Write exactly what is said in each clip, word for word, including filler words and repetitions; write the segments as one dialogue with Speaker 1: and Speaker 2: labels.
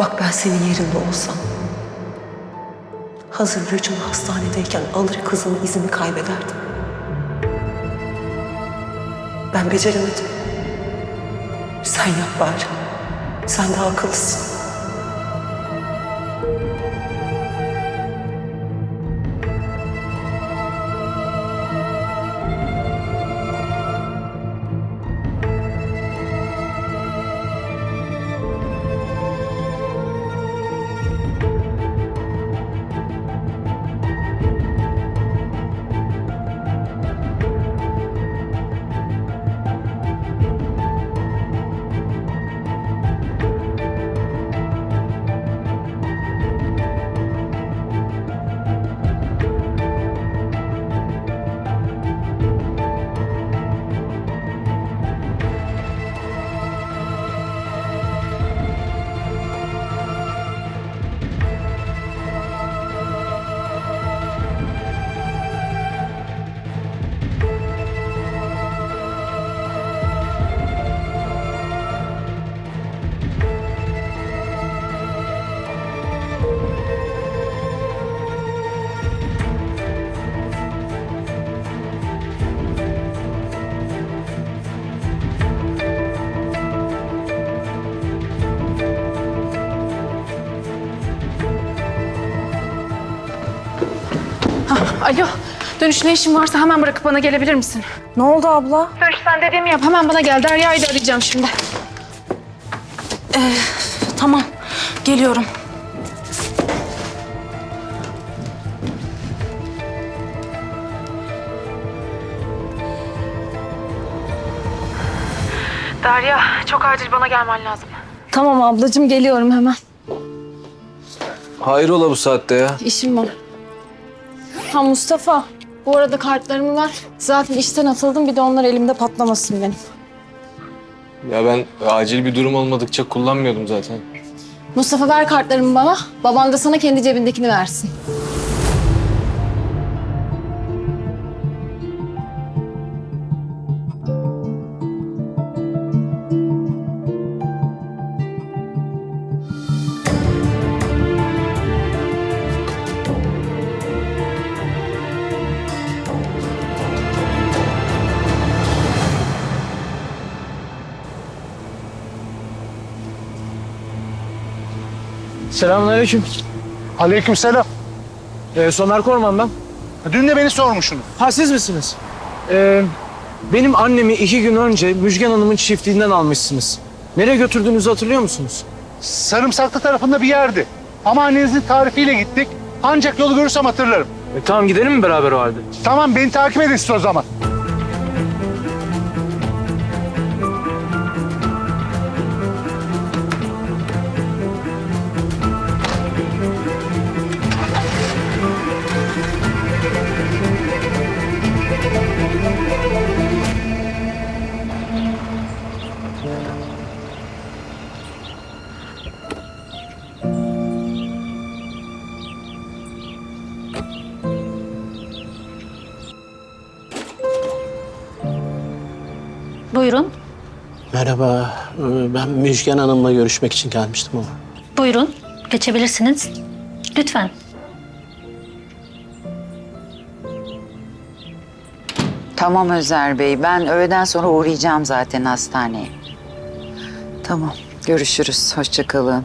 Speaker 1: Bak ben senin yerinde olsam, hazır Rüçhan hastanedeyken alır kızımın izini kaybederdim. Ben beceremedim. Sen yap bari. Sen daha akıllısın.
Speaker 2: Alo, dönüş ne işin varsa hemen bırakıp bana gelebilir misin?
Speaker 3: Ne oldu abla?
Speaker 2: Dönüş sen dediğimi yap, hemen bana gel. Derya'yı da arayacağım şimdi.
Speaker 3: Ee, tamam, geliyorum.
Speaker 2: Derya, çok acil bana gelmen lazım.
Speaker 3: Tamam ablacığım, geliyorum hemen.
Speaker 4: Hayrola bu saatte ya?
Speaker 2: İşim var. Ha Mustafa, bu arada kartlarımı ver. Zaten işten atıldım, bir de onlar elimde patlamasın benim.
Speaker 4: Ya ben acil bir durum olmadıkça kullanmıyordum zaten.
Speaker 2: Mustafa ver kartlarımı bana. Baban da sana kendi cebindekini versin.
Speaker 5: Selamünaleyküm.
Speaker 6: Aleykümselam.
Speaker 5: Ee, Somer Korman ben.
Speaker 6: Dün de beni sormuşsunuz.
Speaker 5: Ha siz misiniz? Ee, benim annemi iki gün önce Müjgan Hanım'ın çiftliğinden almışsınız. Nereye götürdüğünüzü hatırlıyor musunuz?
Speaker 6: Sarımsaklı tarafında bir yerdi. Ama annenizin tarifiyle gittik. Ancak yolu görürsem hatırlarım.
Speaker 5: E, tamam gidelim mi beraber o halde?
Speaker 6: Tamam, beni takip edin siz o zaman.
Speaker 7: Buyurun,
Speaker 8: Merhaba, ee, ben Müjgan Hanım'la görüşmek için gelmiştim ama.
Speaker 7: buyurun. Geçebilirsiniz. Lütfen.
Speaker 9: Tamam Özer Bey. Ben öğleden sonra uğrayacağım zaten hastaneye. Tamam. Görüşürüz. Hoşça kalın.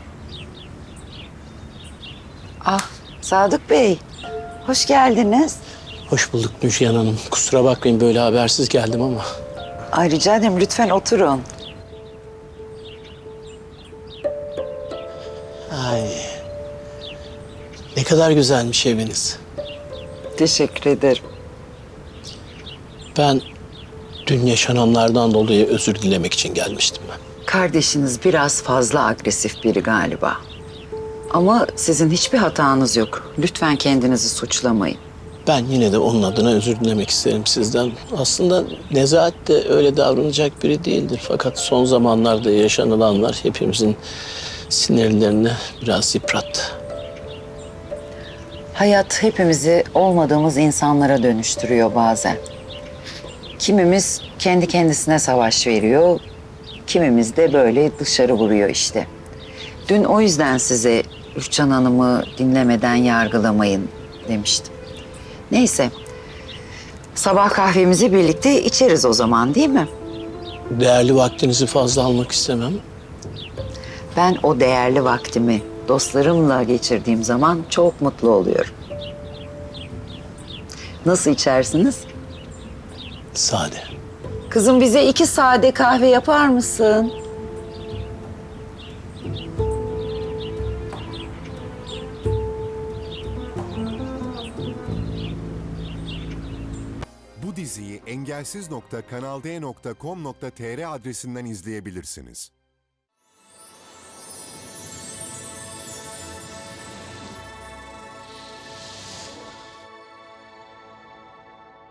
Speaker 9: Ah Sadık Bey. Hoş geldiniz.
Speaker 8: Hoş bulduk Müjgan Hanım. Kusura bakmayın böyle habersiz geldim ama.
Speaker 9: Ay rica ederim. Lütfen oturun.
Speaker 8: Ay. Ne kadar güzelmiş eviniz.
Speaker 9: Teşekkür ederim.
Speaker 8: Ben dün yaşananlardan dolayı özür dilemek için gelmiştim ben.
Speaker 9: Kardeşiniz biraz fazla agresif biri galiba. Ama sizin hiçbir hatanız yok. Lütfen kendinizi suçlamayın.
Speaker 8: Ben yine de onun adına özür dilemek isterim sizden. Aslında Nezahat de öyle davranacak biri değildir. Fakat son zamanlarda yaşanılanlar hepimizin sinirlerini biraz yıprattı.
Speaker 9: Hayat hepimizi olmadığımız insanlara dönüştürüyor bazen. Kimimiz kendi kendisine savaş veriyor, kimimiz de böyle dışarı vuruyor işte. Dün o yüzden size Rüçhan Hanım'ı dinlemeden yargılamayın demiştim. Neyse. Sabah kahvemizi birlikte içeriz o zaman, değil mi?
Speaker 8: Değerli vaktinizi fazla almak istemem.
Speaker 9: Ben o değerli vaktimi dostlarımla geçirdiğim zaman çok mutlu oluyorum. Nasıl içersiniz?
Speaker 8: Sade.
Speaker 9: Kızım bize iki sade kahve yapar mısın?
Speaker 10: Bu diziyi engelsiz nokta kanal d nokta com nokta tr adresinden izleyebilirsiniz.